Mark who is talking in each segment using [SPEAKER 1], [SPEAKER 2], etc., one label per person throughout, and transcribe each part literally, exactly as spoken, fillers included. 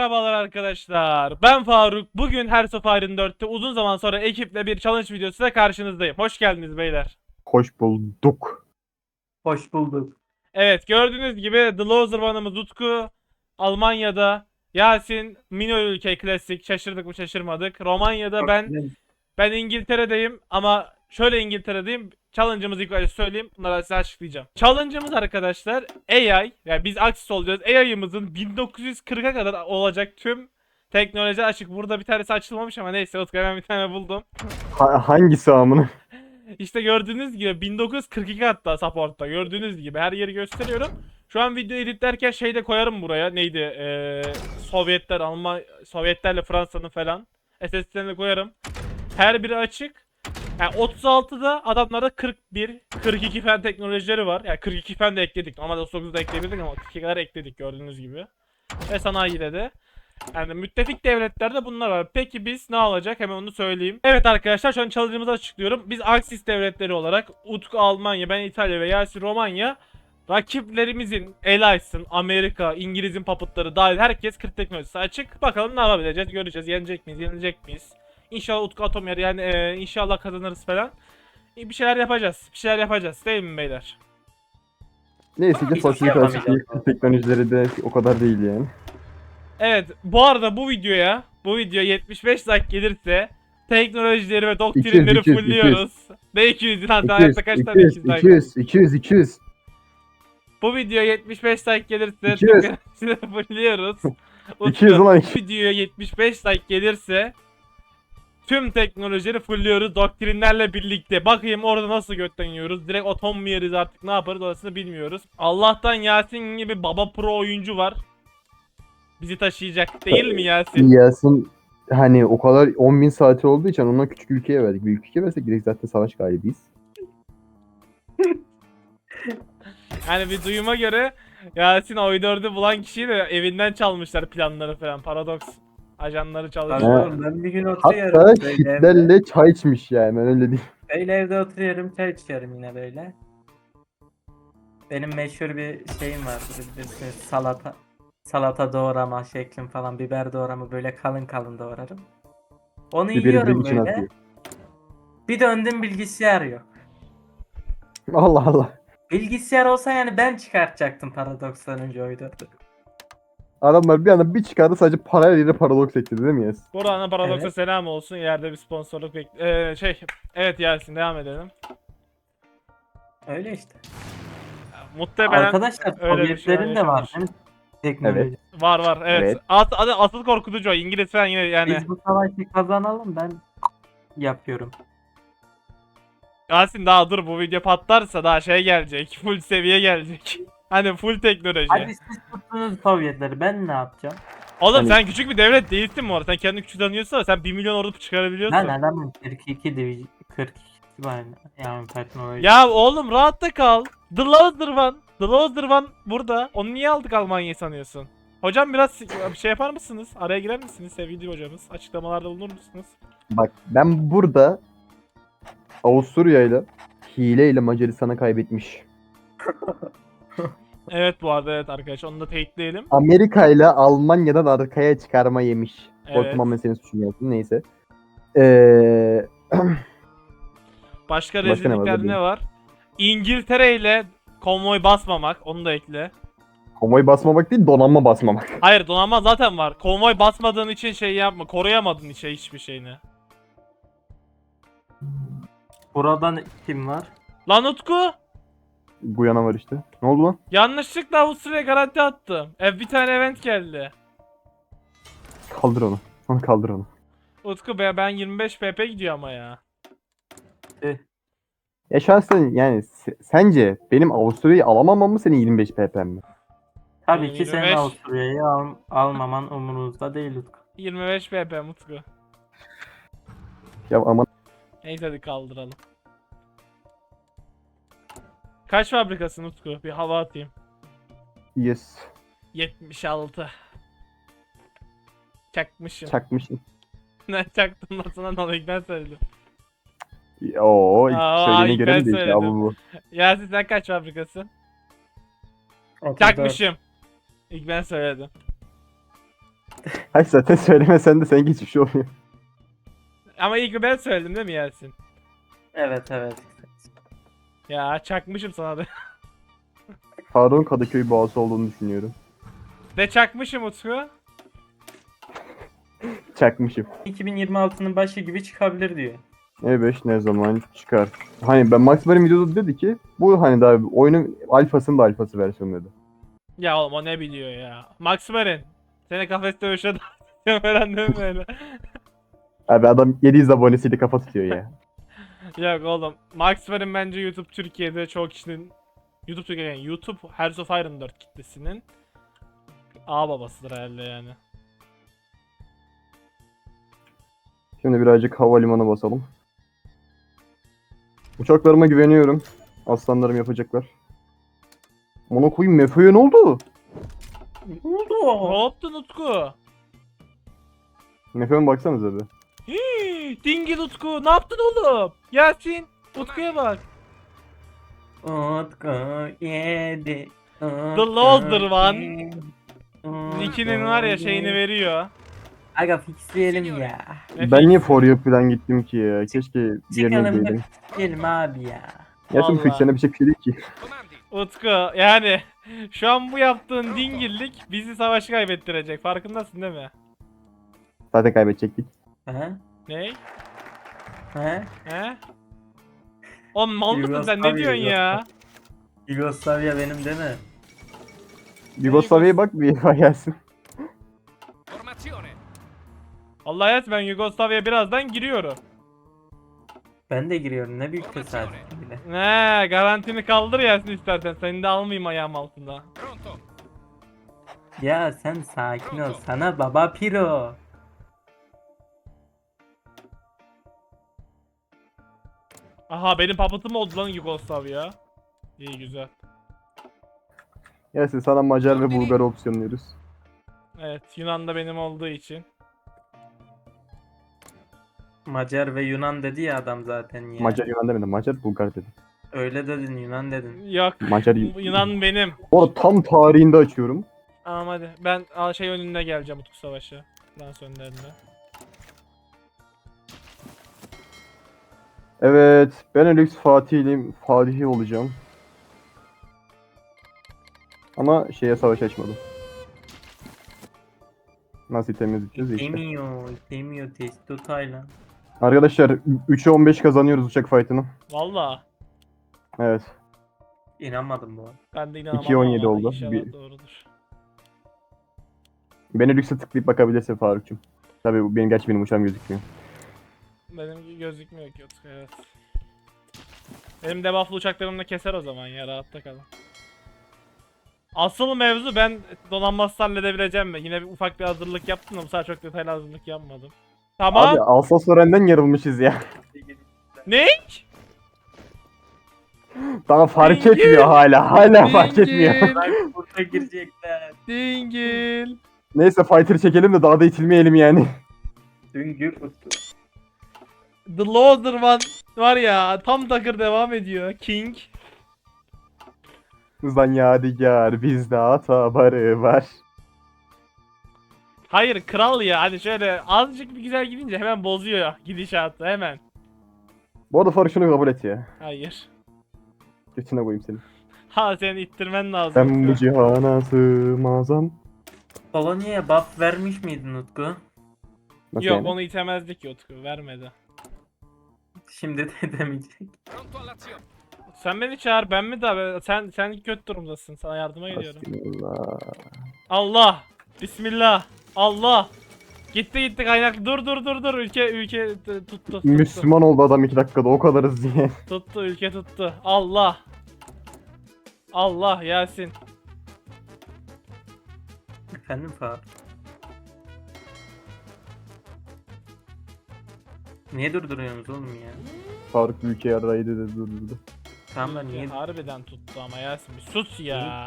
[SPEAKER 1] Merhabalar arkadaşlar. Ben Faruk. Bugün Hearts of Iron dörtte uzun zaman sonra ekiple bir challenge videosuyla karşınızdayım. Hoş geldiniz beyler.
[SPEAKER 2] Hoş bulduk.
[SPEAKER 3] Hoş bulduk.
[SPEAKER 1] Evet, gördüğünüz gibi The Loser One'ımız Utku Almanya'da, Yasin Mino ülke klasik, şaşırdık mı şaşırmadık. Romanya'da ben ben İngiltere'deyim ama şöyle İngiltere'deyim. Challenge'ımızı ilk önce söyleyeyim. Bunları size açıklayacağım. Challenge'ımız arkadaşlar A I, yani biz Axis olacağız. A I'ımızın bin dokuz yüz kırka kadar olacak tüm teknoloji açık. Burada bir tanesi açılmamış ama neyse, Utku hemen bir tane buldum.
[SPEAKER 2] Ha- hangisi amına?
[SPEAKER 1] İşte gördüğünüz gibi bin dokuz yüz kırk iki hatta support'ta. Gördüğünüz gibi her yeri gösteriyorum. Şu an video editlerken şey de koyarım buraya. Neydi? Ee, Sovyetler, Alman, Sovyetlerle Fransa'nın falan. S S D'lerini koyarım. Her biri açık. Yani otuz altıda adamlarda kırk bir, kırk iki fen teknolojileri var. Yani kırk iki fen de ekledik. Normalde otuz dokuzda ekleyebilirdik ama kırk iki kadar ekledik gördüğünüz gibi. Ve sanayide de. Yani müttefik devletlerde bunlar var. Peki biz ne olacak? Hemen onu söyleyeyim. Evet arkadaşlar, şu an challenge'ımızı açıklıyorum. Biz Axis devletleri olarak Utku Almanya, ben İtalya ve Yasin Romanya, rakiplerimizin Allies'ın, Amerika, İngiliz'in papıtları dahil herkes kırk teknolojisi açık. Bakalım ne yapabileceğiz, göreceğiz. Yenecek miyiz, yenilecek miyiz? İnşallah Utku atom yer, yani e, inşallah kazanırız falan. E, bir şeyler yapacağız. Bir şeyler yapacağız değil mi beyler?
[SPEAKER 2] Neyse ki
[SPEAKER 3] Hiçbir şey
[SPEAKER 2] fasilite
[SPEAKER 3] yapamayacağız.
[SPEAKER 2] açık teknolojileri de o kadar değil yani.
[SPEAKER 1] Evet, bu arada bu videoya, bu video yetmiş beş like gelirse teknolojileri ve doktrinleri
[SPEAKER 2] iki yüz,
[SPEAKER 1] fulluyoruz. Ne iki yüz lan?
[SPEAKER 2] iki yüz,
[SPEAKER 1] Hayatta kaç tane iki yüz like?
[SPEAKER 2] iki yüz, iki yüz, iki yüz.
[SPEAKER 1] Bu video yetmiş beş like gelirse
[SPEAKER 2] iki yüz.
[SPEAKER 1] teknolojileri fulluyoruz.
[SPEAKER 2] iki yüz ulan.
[SPEAKER 1] Bu videoya yetmiş beş like gelirse tüm teknolojileri fulluyoruz doktrinlerle birlikte. Bakayım orada nasıl götten yiyoruz. Direkt atom mu yeriz, artık ne yaparız orasını bilmiyoruz. Allah'tan Yasin gibi baba pro oyuncu var. Bizi taşıyacak değil mi Yasin?
[SPEAKER 2] Yasin hani o kadar on bin saati olduğu için ondan küçük ülkeye verdik. Büyük ülkeye versek direkt zaten savaş galibiyiz.
[SPEAKER 1] Yani bir duyuma göre Yasin oy dördü bulan kişiyi de evinden çalmışlar planları falan. Paradoks ajanları çalışıyor.
[SPEAKER 3] Abi ben bir gün oturuyorum
[SPEAKER 2] Hatta
[SPEAKER 3] böyle evde.
[SPEAKER 2] Hitler'le çay içmiş yani, ben öyle diyeyim.
[SPEAKER 3] Böyle evde oturuyorum, çay içiyorum yine böyle. Benim meşhur bir şeyim vardır, bilirsiniz, salata. Salata doğrama şeklim falan, biber doğrama böyle kalın kalın doğrarım. Onu
[SPEAKER 2] Biberi
[SPEAKER 3] yiyorum
[SPEAKER 2] direkt içine
[SPEAKER 3] böyle.
[SPEAKER 2] atıyor.
[SPEAKER 3] Bir döndüm, bilgisayar yok.
[SPEAKER 2] Allah Allah.
[SPEAKER 3] Bilgisayar olsa yani ben çıkartacaktım paradokstan önce oy dördü.
[SPEAKER 2] Adamlar bir anda bir çıkardı, sadece parayla yerine paradoks ekledi değil mi Yasin?
[SPEAKER 1] Buradan Paradoks'a
[SPEAKER 3] Evet.
[SPEAKER 1] selam olsun. İleride bir sponsorluk bek... Ee, şey... Evet Yasin, devam edelim.
[SPEAKER 3] Öyle işte.
[SPEAKER 1] Muhtemelen
[SPEAKER 3] Arkadaşlar
[SPEAKER 1] öyle bir şey
[SPEAKER 3] Sovyetlerin de var
[SPEAKER 1] yaşanır.
[SPEAKER 3] değil mi? Teknoloji.
[SPEAKER 1] Var var, evet.
[SPEAKER 2] Evet.
[SPEAKER 1] As adı asıl korkutucu o. İngiliz falan yine yani.
[SPEAKER 3] Biz bu savaşı kazanalım, ben yapıyorum.
[SPEAKER 1] Yasin daha dur, bu video patlarsa daha şey gelecek. Full seviye gelecek. Hani full teknoloji.
[SPEAKER 3] Hadi siz tuttunuz Sovyetleri, ben ne yapacağım?
[SPEAKER 1] Oğlum
[SPEAKER 2] Hani-
[SPEAKER 1] sen küçük bir devlet değilsin mi orada? Sen kendini küçük sanıyorsun ama sen bir milyon ordu çıkarabiliyorsun.
[SPEAKER 3] Ben adamın kırk iki division kırk iki var yani teknoloji.
[SPEAKER 1] Ya oğlum rahatta kal. The Loser One. The Loser One burada. Onu niye aldık Almanya'yı sanıyorsun? Hocam biraz bir şey yapar mısınız? Araya girer misiniz sevgili hocamız? Açıklamalarda bulunur musunuz?
[SPEAKER 2] Bak ben burada Avusturya'yla hileyle Macaristan'a kaybetmiş.
[SPEAKER 1] Evet bu arada, evet arkadaşlar, onu da teyitleyelim.
[SPEAKER 2] Amerika ile Almanya'dan arkaya çıkarma yemiş.
[SPEAKER 1] Evet.
[SPEAKER 2] Korkmam ben senin suçun yaptın, neyse. Ee,
[SPEAKER 1] Başka
[SPEAKER 2] Başka ne var
[SPEAKER 1] rezillikler
[SPEAKER 2] burada?
[SPEAKER 1] ne var? İngiltere ile konvoy basmamak, onu da ekle.
[SPEAKER 2] konvoy basmamak değil, donanma basmamak.
[SPEAKER 1] Hayır, donanma zaten var. Konvoy basmadığın için şey yapma, koruyamadığın için hiçbir şeyini.
[SPEAKER 3] Buradan kim var?
[SPEAKER 1] Lan Utku!
[SPEAKER 2] Guyana var işte. Ne oldu lan?
[SPEAKER 1] Yanlışlıkla Avusturya'ya garanti attım. E, bir tane event geldi.
[SPEAKER 2] Kaldır onu. Onu kaldır onu.
[SPEAKER 1] Utku be, ben yirmi beş P P gidiyor ama ya.
[SPEAKER 2] Ya şahsen yani se- sence benim Avusturya'yı alamamam mı, senin yirmi beş P P mi?
[SPEAKER 3] Tabii
[SPEAKER 1] Benim
[SPEAKER 3] ki senin
[SPEAKER 1] yirmi beş.
[SPEAKER 3] Avusturya'yı al, almaman umurunuzda değil Utku.
[SPEAKER 1] yirmi beş P P Utku.
[SPEAKER 2] Ya aman
[SPEAKER 1] Neyse hadi kaldıralım. Kaç fabrikasın Utku? Bir hava atayım.
[SPEAKER 2] yes.
[SPEAKER 1] yetmiş altı. Çakmışım.
[SPEAKER 2] Çakmışsın.
[SPEAKER 1] Ne çaktım lan sana, ne oluyor, ben söyledim.
[SPEAKER 2] Oo,
[SPEAKER 1] Aa,
[SPEAKER 2] söyleyene
[SPEAKER 1] ilk
[SPEAKER 2] göre
[SPEAKER 1] ben
[SPEAKER 2] mi değil ya
[SPEAKER 1] söyledim.
[SPEAKER 2] bu bu.
[SPEAKER 1] Yasin sen kaç fabrikasın?
[SPEAKER 3] otuz dört.
[SPEAKER 1] Çakmışım. İlk ben söyledim.
[SPEAKER 2] Hayır zaten söylemesen de sen hiçbir şey olmuyor.
[SPEAKER 1] Ama ilk ben söyledim değil mi Yasin?
[SPEAKER 3] Evet evet.
[SPEAKER 1] Ya çakmışım sana da.
[SPEAKER 2] Faruk'un Kadıköy boğası olduğunu düşünüyorum.
[SPEAKER 1] De çakmışım Utku.
[SPEAKER 2] Çakmışım.
[SPEAKER 3] iki bin yirmi altının başı gibi çıkabilir diyor.
[SPEAKER 2] E beş ne zaman çıkar? Hani ben Max Bar'ın videoda dedi ki bu hani daha oyunun alfasının da alfası versiyonu dedi.
[SPEAKER 1] Ya oğlum o ne biliyor ya. Max Marin. Seni kafes dövüşe davet falan değil mi böyle?
[SPEAKER 2] Abi adam yedi yüz abonesiyle kafa tutuyor ya.
[SPEAKER 1] Yok oğlum. Max Marin bence YouTube Türkiye'de çoğu kişinin YouTube Türkiye yani YouTube Hearts of Iron dört kitlesinin ağ babasıdır herhalde yani.
[SPEAKER 2] Şimdi birazcık havalimanı basalım. Uçaklarıma güveniyorum. Aslanlarım yapacaklar. Ona koyayım Mefe'ye ne oldu?
[SPEAKER 3] Ne
[SPEAKER 1] Ne
[SPEAKER 3] oldu?
[SPEAKER 1] yaptın Utku?
[SPEAKER 2] Mefe'ye baksanıza bir.
[SPEAKER 1] Hii, Dingil Utku ne yaptın oğlum? Yasin Utku'ya bak.
[SPEAKER 3] Utku yedi.
[SPEAKER 1] The Loser One. Nick'inin var ya şeyini veriyor.
[SPEAKER 3] Aga fixleyelim ya.
[SPEAKER 2] Ben niye For You falan gittim ki ya? Keşke yerine
[SPEAKER 3] Çıkalım da
[SPEAKER 2] gideydim.
[SPEAKER 3] fixleyelim abi ya.
[SPEAKER 2] Gerçi bu
[SPEAKER 1] Vallahi.
[SPEAKER 2] fiksene bir şey değil ki.
[SPEAKER 1] Utku yani şu an bu yaptığın dingillik bizi savaşı kaybettirecek. Farkındasın değil mi?
[SPEAKER 2] Zaten kaybedecektik.
[SPEAKER 3] He?
[SPEAKER 1] Ne?
[SPEAKER 3] He?
[SPEAKER 1] He? Oğlum mal mısın sen ne
[SPEAKER 3] Yugoslavya,
[SPEAKER 1] diyorsun ya?
[SPEAKER 3] Yugoslavya benim değil mi?
[SPEAKER 2] Yugoslavya'ya bak bir gelsin.
[SPEAKER 1] Allah hayat ben Yugoslavya'ya birazdan giriyorum.
[SPEAKER 3] Ben de giriyorum ne büyük tesadüf bile.
[SPEAKER 1] Ne garantini kaldır Yasin istersen seni de almayayım ayağım altında.
[SPEAKER 3] Ya sen sakin ol sana baba piro.
[SPEAKER 1] Aha benim papatım oldu lan Yugoslavya. İyi güzel.
[SPEAKER 2] Gelsin sana Macar ve Bulgar opsiyonluyoruz.
[SPEAKER 1] Evet Yunan da benim olduğu için.
[SPEAKER 3] Macar ve Yunan dedi ya adam zaten ya.
[SPEAKER 2] Macar Yunan demedim. Macar Bulgar dedim.
[SPEAKER 3] Öyle dedin Yunan dedin.
[SPEAKER 1] Yok
[SPEAKER 2] Macar
[SPEAKER 1] Yunan benim.
[SPEAKER 2] Orada tam tarihinde açıyorum.
[SPEAKER 1] Tamam hadi ben aa, şey önünde geleceğim Utku Savaşı. Dans önlerinde.
[SPEAKER 2] Evet. Benelux Fatih'liyim. Fatihi olacağım. Ama şeye savaş açmadım. Nasıl temizleyeceğiz işte.
[SPEAKER 3] İstemiyor, istemiyor testo Taylan.
[SPEAKER 2] Arkadaşlar üçe on beş kazanıyoruz uçak fight'ını.
[SPEAKER 1] Valla.
[SPEAKER 2] Evet.
[SPEAKER 3] İnanmadım bu arada.
[SPEAKER 1] Ben de inanamam
[SPEAKER 2] iki on yedi
[SPEAKER 1] ama
[SPEAKER 2] oldu.
[SPEAKER 1] inşallah
[SPEAKER 2] Bir-
[SPEAKER 1] doğrudur.
[SPEAKER 2] Benelux'e tıklayıp bakabilirsin Faruk'cum. Tabii bu benim gerçi benim uçağım gözükmüyor.
[SPEAKER 1] Benim gözükmüyor ki Utku evet. Benim debufflu uçaklarımla keser o zaman ya rahatta kalın. Asıl mevzu ben donanmasız halledebileceğim mi? Yine bir ufak bir hazırlık yaptım da bu sefer çok detaylı hazırlık yapmadım. Tamam.
[SPEAKER 2] Abi Alsas-Lorraine'den yarılmışız ya.
[SPEAKER 1] Ne?
[SPEAKER 2] Daha fark
[SPEAKER 1] Dingil.
[SPEAKER 2] etmiyor hala. Hala fark etmiyor.
[SPEAKER 1] Dingil.
[SPEAKER 3] Bak burada girecekler.
[SPEAKER 1] Dingil.
[SPEAKER 2] Neyse fighter çekelim de daha da itilmeyelim yani.
[SPEAKER 3] Düngür tuttu.
[SPEAKER 1] The Loader One var ya tam takır devam ediyor. King.
[SPEAKER 2] Hızlan yadigar bizde hata barı var.
[SPEAKER 1] Hayır kral ya hani şöyle azıcık bir güzel gidince hemen bozuyor gidişatı hemen.
[SPEAKER 2] Bu arada Faruk şunu kabul et ya.
[SPEAKER 1] Hayır.
[SPEAKER 2] Götüne koyayım seni.
[SPEAKER 1] Ha seni ittirmen lazım.
[SPEAKER 2] Ben bu cihana sığmazam.
[SPEAKER 3] Polonya'ya buff vermiş miydin Utku?
[SPEAKER 2] Nasıl
[SPEAKER 1] Yok
[SPEAKER 2] yani?
[SPEAKER 1] onu itemezdik ki Utku vermedi.
[SPEAKER 3] Şimdi de demeyecek.
[SPEAKER 1] Sen beni çağır ben mi daha sen sen kötü durumdasın sana yardıma geliyorum.
[SPEAKER 2] Bismillah.
[SPEAKER 1] Allah Bismillah Allah Gitti gitti kaynak dur dur dur dur ülke ülke t- tuttu tuttu
[SPEAKER 2] Müslüman oldu adam iki dakikada o kadarız diye.
[SPEAKER 1] tuttu ülke tuttu Allah Allah Yasin
[SPEAKER 3] Efendim Faruk. Niye durduruyorsunuz oğlum ya?
[SPEAKER 2] Faruk ülke yaraydı dedi durdu.
[SPEAKER 3] Tamam da
[SPEAKER 1] Ülke
[SPEAKER 3] niye?
[SPEAKER 1] harbiden tuttu ama Yasin bir sus ya.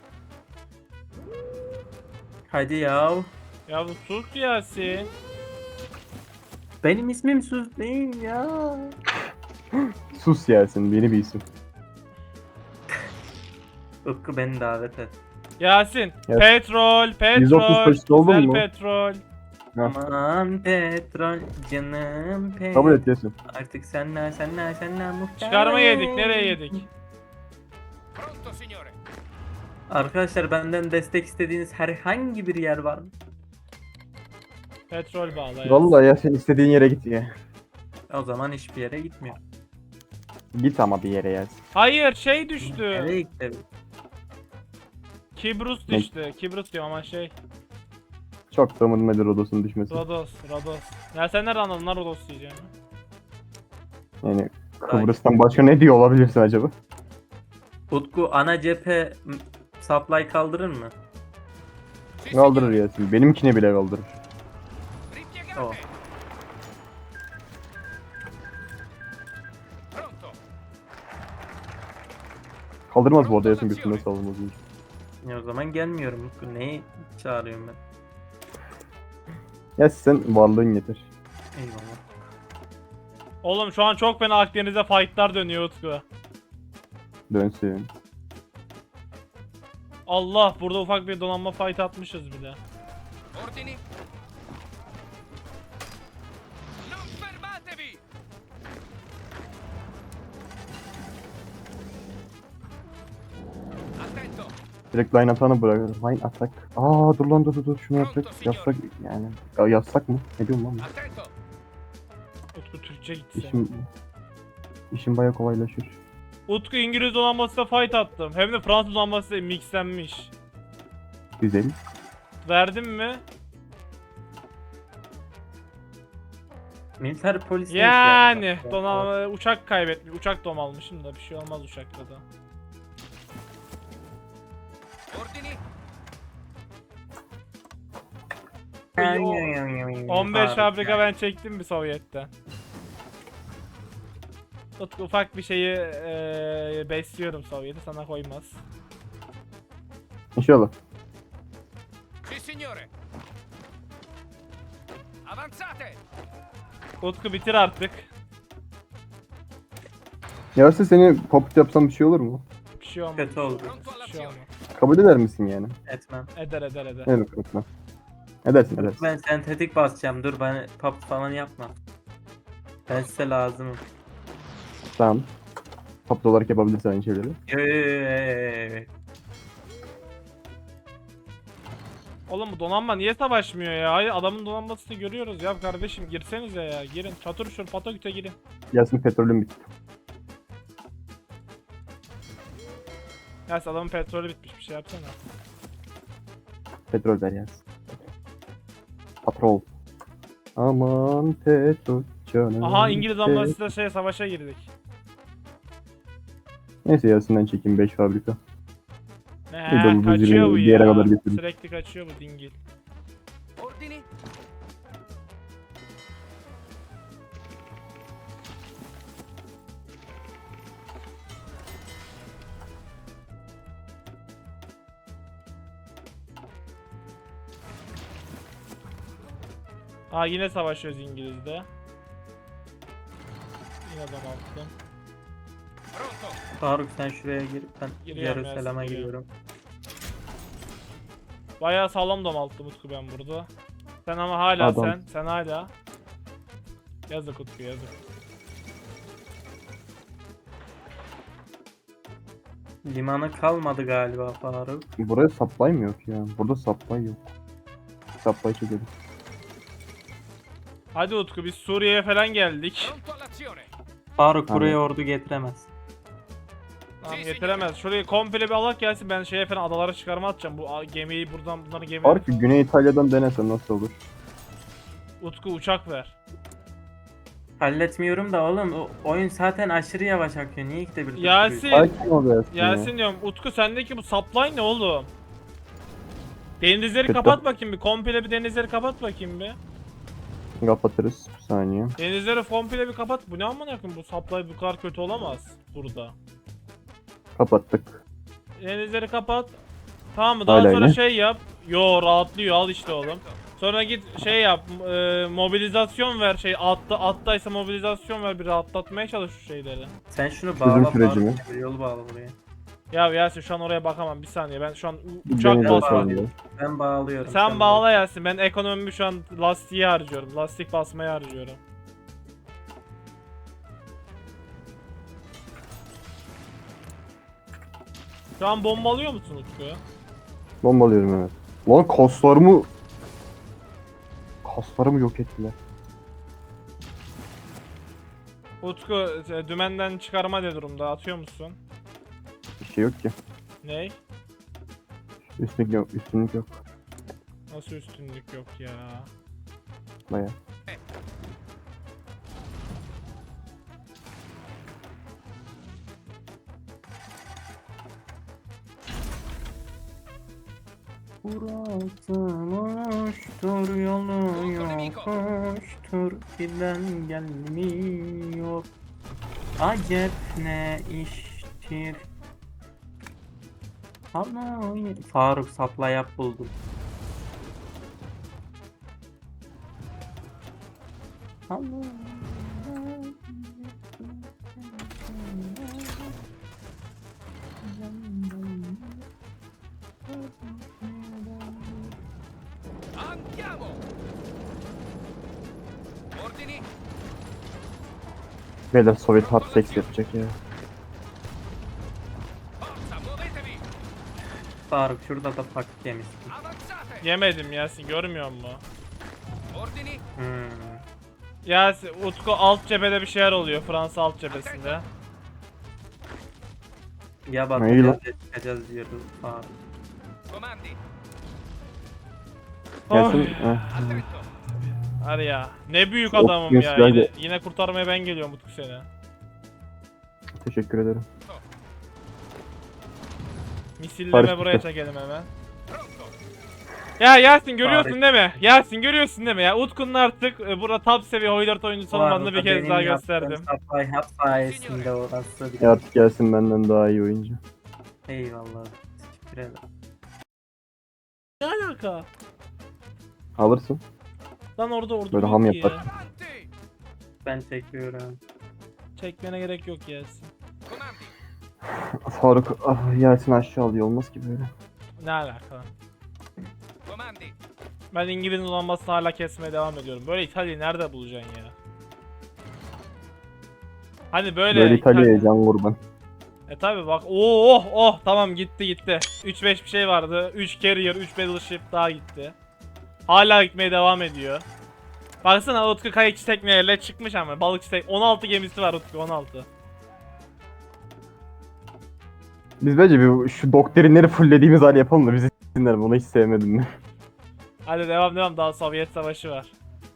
[SPEAKER 3] Hadi yav.
[SPEAKER 1] Ya bu sus Yasin.
[SPEAKER 3] Benim ismim Sus değil ya.
[SPEAKER 2] Sus Yasin, beni bir isim.
[SPEAKER 3] Utku beni davet et.
[SPEAKER 1] Yasin.
[SPEAKER 2] Ya-
[SPEAKER 1] Petrol,
[SPEAKER 2] yüz otuz
[SPEAKER 1] petrol.
[SPEAKER 2] faşist oldun
[SPEAKER 1] Güzel
[SPEAKER 2] mu?
[SPEAKER 1] petrol.
[SPEAKER 2] Ha.
[SPEAKER 3] Aman petrol canım petrol.
[SPEAKER 2] Kabul et Yasin.
[SPEAKER 3] Artık senle senle senle muhtemelen.
[SPEAKER 1] Çıkarma yedik. Nereye yedik?
[SPEAKER 4] Pronto, signore.
[SPEAKER 3] Arkadaşlar benden destek istediğiniz herhangi bir yer var mı?
[SPEAKER 1] Petrol bağla. Yasin.
[SPEAKER 2] Vallahi Yasin istediğin yere git ya.
[SPEAKER 3] O zaman hiçbir yere gitmiyor.
[SPEAKER 2] Git ama bir yere Yasin.
[SPEAKER 1] Hayır şey düştü.
[SPEAKER 3] Nereye gitti?
[SPEAKER 1] Kibrus
[SPEAKER 2] Ne?
[SPEAKER 1] düştü. Kibrus diyorum ama şey.
[SPEAKER 2] Çok da umurumda Rodos'un düşmesi.
[SPEAKER 1] Rodos. Rodos. Ya sen nereden anladın lan Rodos diyeceğim.
[SPEAKER 2] Yani Kıbrıs'tan başka ne diyor olabilirsin acaba?
[SPEAKER 3] Utku ana cephe m, supply kaldırır mı?
[SPEAKER 4] Sì,
[SPEAKER 2] Kaldırır
[SPEAKER 4] signore.
[SPEAKER 2] Yasin. Benimkini bile kaldırır.
[SPEAKER 4] Ripiegate.
[SPEAKER 3] Oh.
[SPEAKER 4] Pronto.
[SPEAKER 2] Kaldırmaz bu arada Yasin götünden saldırmaz.
[SPEAKER 3] Ya o zaman gelmiyorum Utku. Neyi çağırıyorum ben?
[SPEAKER 2] Yasin sen varlığın yeter.
[SPEAKER 3] Eyvallah.
[SPEAKER 1] Oğlum şu an çok fena Akdeniz'de fightlar dönüyor Utku.
[SPEAKER 2] Dönsün.
[SPEAKER 1] Allah burada ufak bir donanma fight atmışız bile.
[SPEAKER 4] Ordini. Non fermatevi. Attento.
[SPEAKER 2] Direkt line atağını bırakır. Line atak. Aa dur lan dur dur dur şunu yapsak. Yapsak yani. Ya yazsak mı? Ne diyorum lan?
[SPEAKER 4] Attento.
[SPEAKER 1] Utku Türkçe gitse.
[SPEAKER 2] İşim, işim baya kolaylaşır.
[SPEAKER 1] Utku İngiliz donanmasıyla fight attım. Hem de Fransız donanmasıyla mixlenmiş.
[SPEAKER 2] Güzel.
[SPEAKER 1] Verdim mi?
[SPEAKER 3] Militer polis ne işe
[SPEAKER 1] Yani
[SPEAKER 3] yarar?
[SPEAKER 1] donanma uçak kaybetmiş. Uçak dom almışım da bir şey olmaz uçakta da.
[SPEAKER 4] Ordini.
[SPEAKER 1] on beş
[SPEAKER 3] Harika.
[SPEAKER 1] fabrika ben çektim bir Sovyet'ten. Utku ufak bir şeyi eee besliyorum Sovyet'i sana koymaz.
[SPEAKER 2] İnşallah.
[SPEAKER 4] Sì, signore. Avanzate.
[SPEAKER 1] Utku bitir artık.
[SPEAKER 2] Yasin seni popüt yapsam bir şey olur mu?
[SPEAKER 1] Bir şey olmaz.
[SPEAKER 3] Kötü oldu.
[SPEAKER 4] Pronto
[SPEAKER 1] Bir şey olmaz.
[SPEAKER 4] all'azione.
[SPEAKER 2] Kabul eder misin yani?
[SPEAKER 3] Etmem.
[SPEAKER 1] Eder eder eder.
[SPEAKER 2] Evet kanka. Edersin edersin.
[SPEAKER 3] Ben sentetik basacağım. Dur bana pop falan yapma. Ben size lazımım.
[SPEAKER 2] Tamam. Popüt olarak yapabilirsin aynı şeyleri.
[SPEAKER 3] Yo, yo, yo, yo, yo.
[SPEAKER 1] Oğlum bu donanma niye savaşmıyor ya? Hayır adamın donanmasını görüyoruz ya kardeşim girsenize ya girin. Çatır şur Patoküt'e girin.
[SPEAKER 2] Yasin petrolün bitti.
[SPEAKER 1] Ya adamın petrolü bitmiş bir şey yapsana.
[SPEAKER 2] Petrol ver Yasin. Patrol. Aman petrol canım.
[SPEAKER 1] Aha İngiliz
[SPEAKER 2] pet-
[SPEAKER 1] donanmasıyla şey savaşa girdik.
[SPEAKER 2] Neyse Yasin'den çekeyim beş fabrika. Bir de
[SPEAKER 1] He
[SPEAKER 2] bu
[SPEAKER 1] kaçıyor bu
[SPEAKER 2] bir yere
[SPEAKER 1] ya.
[SPEAKER 2] kadar götürün.
[SPEAKER 1] Sürekli kaçıyor bu dingil.
[SPEAKER 4] Ordini.
[SPEAKER 1] Aa yine savaşıyoruz İngiliz'de. Yine adam attım.
[SPEAKER 4] Pronto.
[SPEAKER 3] Faruk sen şuraya gir. Ben
[SPEAKER 1] Giriyorum
[SPEAKER 3] Jerusalem'e
[SPEAKER 1] Yasin,
[SPEAKER 3] giriyorum.
[SPEAKER 1] Bayağı sağlam dom attım Utku ben burada. Sen ama hala
[SPEAKER 2] Adam.
[SPEAKER 1] sen. Sen hala. Yazık Utku yazık.
[SPEAKER 3] Limanı kalmadı galiba Faruk.
[SPEAKER 2] Buraya supply mı yok ya? Burada supply yok. Supply çekelim.
[SPEAKER 1] Hadi Utku biz Suriye'ye falan geldik.
[SPEAKER 4] Pronto all'azione.
[SPEAKER 3] Faruk
[SPEAKER 2] Tamam.
[SPEAKER 3] buraya ordu getiremez.
[SPEAKER 1] Tamam getiremez. Şurayı komple bir alak gelsin ben şeye falan adalara çıkarma atacağım. Bu a- gemiyi buradan bunların gemiyi.
[SPEAKER 2] Fark Güney İtalya'dan denesen nasıl olur?
[SPEAKER 1] Utku uçak ver.
[SPEAKER 3] Halletmiyorum da oğlum o oyun zaten aşırı yavaş akıyor. Niye ikide bir
[SPEAKER 1] Yasin.
[SPEAKER 3] durduruyor?
[SPEAKER 2] Sakin ol Yasin. ya.
[SPEAKER 1] Yasin diyorum Utku sendeki bu supply ne oğlum? Denizleri
[SPEAKER 2] Kötü.
[SPEAKER 1] kapat bakayım bir. Komple bir denizleri kapat bakayım bir.
[SPEAKER 2] Kapatırız. Bir saniye.
[SPEAKER 1] Denizleri komple bir kapat. Bu ne amına koyayım bu supply bu kadar kötü olamaz burada.
[SPEAKER 2] Kapattık.
[SPEAKER 1] Denizleri kapat. Tamam mı? Daha
[SPEAKER 2] Hala
[SPEAKER 1] sonra
[SPEAKER 2] yine.
[SPEAKER 1] şey yap. Yo rahatlıyor al işte oğlum. Sonra git şey yap, e, mobilizasyon ver, şey atta attaysa mobilizasyon ver, bir rahatlatmaya çalış şu şeyleri.
[SPEAKER 3] Sen şunu
[SPEAKER 2] Çözüm
[SPEAKER 3] bağla
[SPEAKER 2] süreci mi?
[SPEAKER 3] bağla. Yolu bağla buraya.
[SPEAKER 1] Ya Yasin şu an oraya bakamam, bir saniye, ben şu an u-
[SPEAKER 2] Bir
[SPEAKER 1] uçak
[SPEAKER 2] deneyeceğim
[SPEAKER 1] basıyorum.
[SPEAKER 2] sonra.
[SPEAKER 3] Ben bağlıyorum.
[SPEAKER 1] Sen bağla Yasin, ben ekonomimi şu an lastiği harcıyorum, lastik basmaya harcıyorum. Şu an bombalıyor musun Utku?
[SPEAKER 2] Bombalıyorum evet. Lan kaslarımı... Kaslarımı yok ettiler.
[SPEAKER 1] Utku e, dümenden çıkarma ne durumda, atıyor musun?
[SPEAKER 2] Bir şey yok ki.
[SPEAKER 1] Ney?
[SPEAKER 2] Üstünlük yok. Üstünlük yok.
[SPEAKER 1] Nasıl üstünlük yok ya?
[SPEAKER 2] Baya.
[SPEAKER 3] Burası boştur, yolu yokuştur, giden gelmiyor. Acep ne iştir? Hayır. Faruk sapla yap buldum.
[SPEAKER 4] Andiamo! Ordini?
[SPEAKER 2] Beyler Sovyet hard sex yapacak ya.
[SPEAKER 4] Forza, muovetevi!
[SPEAKER 3] Faruk şurada da paket yemişsin.
[SPEAKER 4] Avanzate!
[SPEAKER 1] Yemedim Yasin, görmüyor musun?
[SPEAKER 4] Ordini?
[SPEAKER 3] Hmm.
[SPEAKER 1] Yasin, Utku alt cephede bir şeyler oluyor, Fransa alt cephesinde.
[SPEAKER 3] Ya
[SPEAKER 2] Neyi
[SPEAKER 3] batacağız
[SPEAKER 2] lan?
[SPEAKER 3] ya çıkacağız diyordu Faruk.
[SPEAKER 4] Comandi!
[SPEAKER 2] Gelsin.
[SPEAKER 1] Oy.
[SPEAKER 2] Heh.
[SPEAKER 4] Attento!
[SPEAKER 1] Hadi ya, ne büyük
[SPEAKER 2] Of,
[SPEAKER 1] adamım
[SPEAKER 2] yes,
[SPEAKER 1] ya,
[SPEAKER 2] ben
[SPEAKER 1] yine,
[SPEAKER 2] de-
[SPEAKER 1] yine kurtarmaya ben geliyorum Utku seni.
[SPEAKER 2] Teşekkür ederim.
[SPEAKER 1] Misilleme
[SPEAKER 2] Barış
[SPEAKER 1] buraya
[SPEAKER 2] bitti.
[SPEAKER 1] çekelim hemen.
[SPEAKER 4] Pronto!
[SPEAKER 1] Ya Yasin görüyorsun
[SPEAKER 3] Tarih.
[SPEAKER 1] değil mi? Yasin görüyorsun değil mi? Ya Utku'nun artık e, burada top seviye Hoylert oyuncusu
[SPEAKER 3] Bu
[SPEAKER 1] olmadığını
[SPEAKER 3] arada
[SPEAKER 1] bir kez
[SPEAKER 3] benim
[SPEAKER 1] daha
[SPEAKER 3] yaptığım
[SPEAKER 1] gösterdim.
[SPEAKER 3] Supply hub sayesinde orası bir
[SPEAKER 2] E artık gelsin benden daha iyi oyuncu.
[SPEAKER 3] Eyvallah. Teşekkür ederim.
[SPEAKER 1] Ne alaka?
[SPEAKER 2] Alırsın.
[SPEAKER 1] Lan orada ordu
[SPEAKER 2] Böyle
[SPEAKER 1] yok
[SPEAKER 2] ham
[SPEAKER 1] ki
[SPEAKER 2] yapar.
[SPEAKER 1] ya.
[SPEAKER 4] Avanti!
[SPEAKER 3] Ben çekiyorum.
[SPEAKER 1] Çekmene gerek yok Yasin.
[SPEAKER 4] Comandi!
[SPEAKER 2] Faruk ah, Yasin aşağı alıyor olmaz ki böyle.
[SPEAKER 1] Ne alaka?
[SPEAKER 4] Comandi!
[SPEAKER 1] Ben İngiliz'in uzanmasını hala kesmeye devam ediyorum. Böyle İtalya'yı nerede bulacaksın ya? Hani böyle,
[SPEAKER 2] Böyle İtalya'ya
[SPEAKER 1] İtalya-
[SPEAKER 2] can kurban.
[SPEAKER 1] E tabi bak. Oo, oh oh tamam gitti gitti. üç beş bir şey vardı. üç carrier, üç battleship daha gitti. Hala gitmeye devam ediyor. Baksana Utku kayıkçı tekneyle çıkmış ama balıkçı tek on altı gemisi var Utku, on altı.
[SPEAKER 2] Biz bence bir şu doktrinleri fulllediğimiz hali yapalım da bizi s**sinler, bunu hiç sevmedim ben.
[SPEAKER 1] Hadi devam devam, daha Sovyet savaşı var.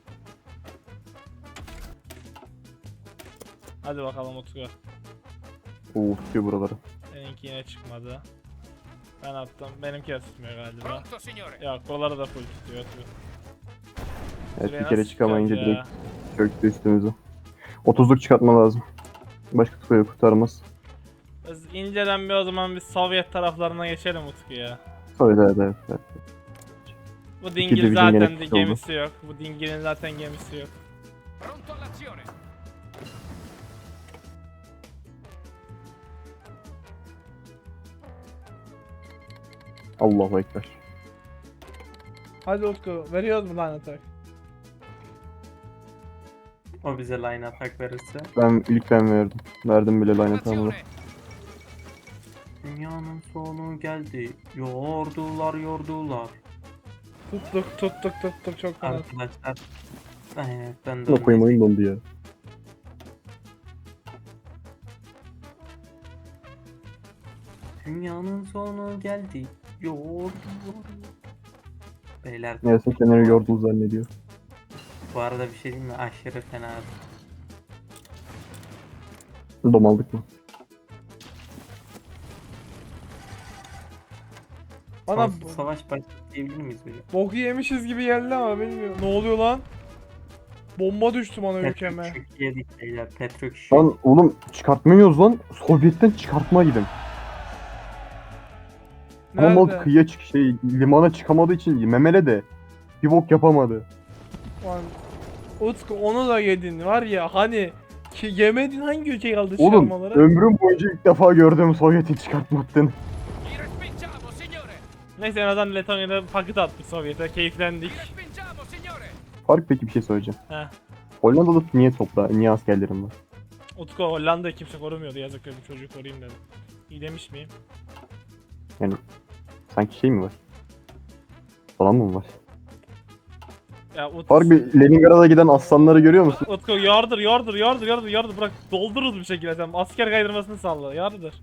[SPEAKER 1] Hadi bakalım Utku.
[SPEAKER 2] Oo tutuyor buraları.
[SPEAKER 1] Seninki yine çıkmadı. Ben attım. Benimki de tutmuyor galiba.
[SPEAKER 4] Pronto, signore!
[SPEAKER 1] Yok, buraları da full tutuyor. tutuyor.
[SPEAKER 2] Evet
[SPEAKER 1] Şuraya
[SPEAKER 2] bir kere
[SPEAKER 1] nasıl
[SPEAKER 2] çıkamayınca
[SPEAKER 1] çıkacağız
[SPEAKER 2] direkt çöktü üstümüze. otuzluk çıkartma lazım. Başka tutuyor kurtarmaz.
[SPEAKER 1] Biz inceden bir o zaman biz Sovyet taraflarına geçelim Utku ya.
[SPEAKER 2] Öyle evet evet. evet.
[SPEAKER 1] Bu
[SPEAKER 2] İki
[SPEAKER 1] dingil
[SPEAKER 2] division
[SPEAKER 1] zaten
[SPEAKER 2] gene
[SPEAKER 1] de
[SPEAKER 2] oldu.
[SPEAKER 1] gemisi yok. Bu dingilin zaten gemisi yok.
[SPEAKER 4] Pronto all'azione!
[SPEAKER 2] Allahu Ekber.
[SPEAKER 1] Hadi Utku, veriyoruz mu lan atak?
[SPEAKER 3] O bize line atak verirse.
[SPEAKER 2] Ben ilk ben verdim. Verdim bile line atamını.
[SPEAKER 4] Formazione!
[SPEAKER 3] Dünyanın sonu geldi. Yordular yordular.
[SPEAKER 1] Tuttuk tuttuk tuttuk çok fena.
[SPEAKER 3] Arkadaşlar. Evet ben de
[SPEAKER 2] Ne koyayım oyun dondu ya.
[SPEAKER 3] Dünyanın sonu geldi. Yordular. Beyler
[SPEAKER 2] Neyse kenarı yordul zannediyor.
[SPEAKER 3] bu arada bir şey diyeyim mi? Aşırı fena.
[SPEAKER 2] Domaldık mı?
[SPEAKER 1] Bana
[SPEAKER 3] Sonsuz savaş başladı diyebilir miyiz böyle?
[SPEAKER 1] boku yemişiz gibi geldi ama bilmiyorum. Ne oluyor lan? Bomba düştü bana ülkeme.
[SPEAKER 3] Petrok şok yedik beyler. Petrok şok.
[SPEAKER 2] Lan oğlum çıkartmıyoruz lan. Sovyet'ten çıkartma gidin. Ama mal
[SPEAKER 1] Nerede?
[SPEAKER 2] kıyıya çık şey limana çıkamadığı için memele de Bir bok yapamadı.
[SPEAKER 1] Lan Utku onu da yedin var ya hani ki yemedin hangi ülke kaldı
[SPEAKER 2] Oğlum
[SPEAKER 1] çıkarmalara?
[SPEAKER 2] ömrüm boyunca ilk defa gördüğüm Sovyet'in çıkartma attığını.
[SPEAKER 4] Li respingiamo, signore.
[SPEAKER 1] Neyse en azından Letonya'da paket attık Sovyet'e keyiflendik.
[SPEAKER 4] Li respingiamo, signore.
[SPEAKER 2] Fark peki bir şey söyleyeceğim.
[SPEAKER 1] Heh.
[SPEAKER 2] Hollanda'da niye toprağı, niye askerlerim var?
[SPEAKER 1] Utku Hollanda'yı kimse korumuyordu yazık öyle bir çocuğu koruyayım dedim. İyi demiş miyim?
[SPEAKER 2] Sanki şey mi var? Falan mı var?
[SPEAKER 1] Ya Utku,
[SPEAKER 2] Fark bir Leningrad'a giden aslanları görüyor musun?
[SPEAKER 1] Utku yardır yardır yardır yardır yardır bırak doldururuz bir şekilde sen asker kaydırmasını salla yardır.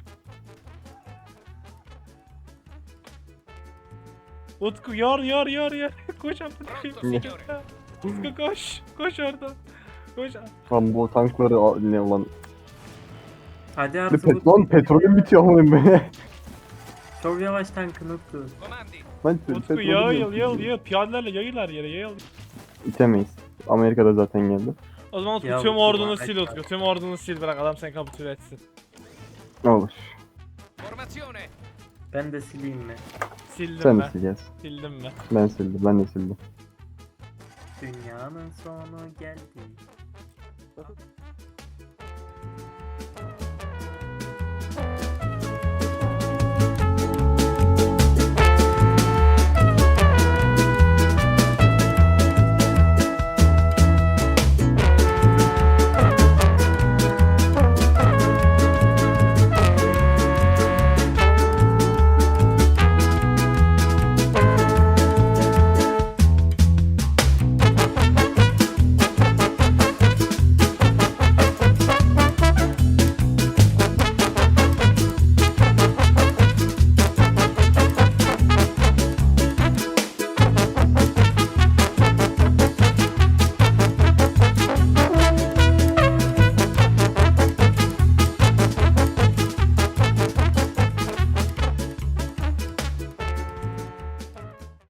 [SPEAKER 1] Utku yar yar yar yar koş artık.
[SPEAKER 4] Pronto, signore.
[SPEAKER 1] Utku koş koş oradan. Koş.
[SPEAKER 2] Lan bu tankları al- ne ulan?
[SPEAKER 3] Hadi
[SPEAKER 2] Ne
[SPEAKER 3] artık
[SPEAKER 2] pet
[SPEAKER 3] Utku.
[SPEAKER 2] lan petrolüm bitiyor amınım be.
[SPEAKER 3] Çok yavaş tankın Utku.
[SPEAKER 4] Comandi.
[SPEAKER 2] Lan
[SPEAKER 1] Utku
[SPEAKER 2] petrolüm
[SPEAKER 1] yayıl
[SPEAKER 2] yok.
[SPEAKER 1] yayıl yayıl piyadelerle yayılar yere yayıl.
[SPEAKER 2] İtemeyiz. Amerika'da zaten geldi.
[SPEAKER 1] O zaman Utku
[SPEAKER 3] Ya
[SPEAKER 1] tüm
[SPEAKER 3] Utku,
[SPEAKER 1] ordunu
[SPEAKER 3] bak-
[SPEAKER 1] sil Utku tüm ordunu sil bırak adam seni kapitüle etsin.
[SPEAKER 2] Olur.
[SPEAKER 4] Formazione.
[SPEAKER 3] Ben de sileyim mi?
[SPEAKER 1] Sildim
[SPEAKER 2] Sen de
[SPEAKER 1] ben.
[SPEAKER 2] sileceğiz.
[SPEAKER 1] Sildim ben.
[SPEAKER 2] Ben sildim. Ben de sildim.
[SPEAKER 3] Dünyanın sonu geldi.